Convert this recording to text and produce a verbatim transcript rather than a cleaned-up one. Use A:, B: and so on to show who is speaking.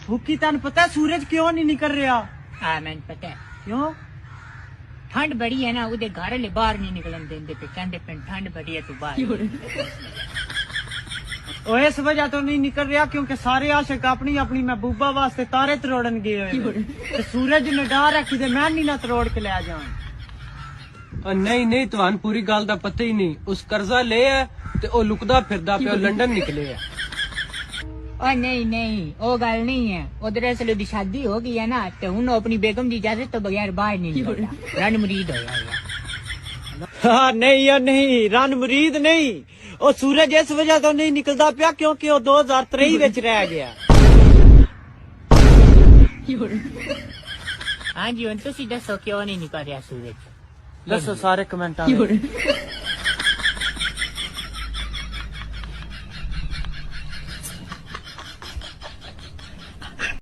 A: भूखी तन पता है सूरज क्यों नहीं निकल रहा?
B: हाँ मैंने पता है
A: क्यों?
B: ठंड बड़ी है ना, उधर घर ले बाहर नहीं निकलन देंगे पे, कहते पे ठंड बड़ी है तू बाहर।
A: और इस वजह तो नहीं निकल रहा क्योंकि सारे आशिक अपनी अपनी महबूबा वास्ते तारे तरोड़न गए हुए ते सूरज ने डार रखी ते मैं नहीं ना तरोड़ के ले जान।
C: नहीं नहीं तुहान पूरी गल दा पता ही नहीं। उस कर्जा ले है ते ओ लुकदा फिरदा पे लंदन निकले है।
B: और नहीं नहीं वो गल नहीं है, उधर असले दी शादी हो गई है ना, तो हूं अपनी बेगम की इजाजत तो बगैर बाहर नहीं निकलता, रन मुरीद हो जाएगा।
A: हाँ नहीं यार नहीं, रन मुरीद नहीं, ओ सूरज इस वजह तो नहीं निकलता पिया क्योंकि वो दो हजार तेई विच रह गया।
B: हाँ जी, हम तुसी दसो क्यों नहीं निकल रहा सूरज?
A: दसो सारे कमेंट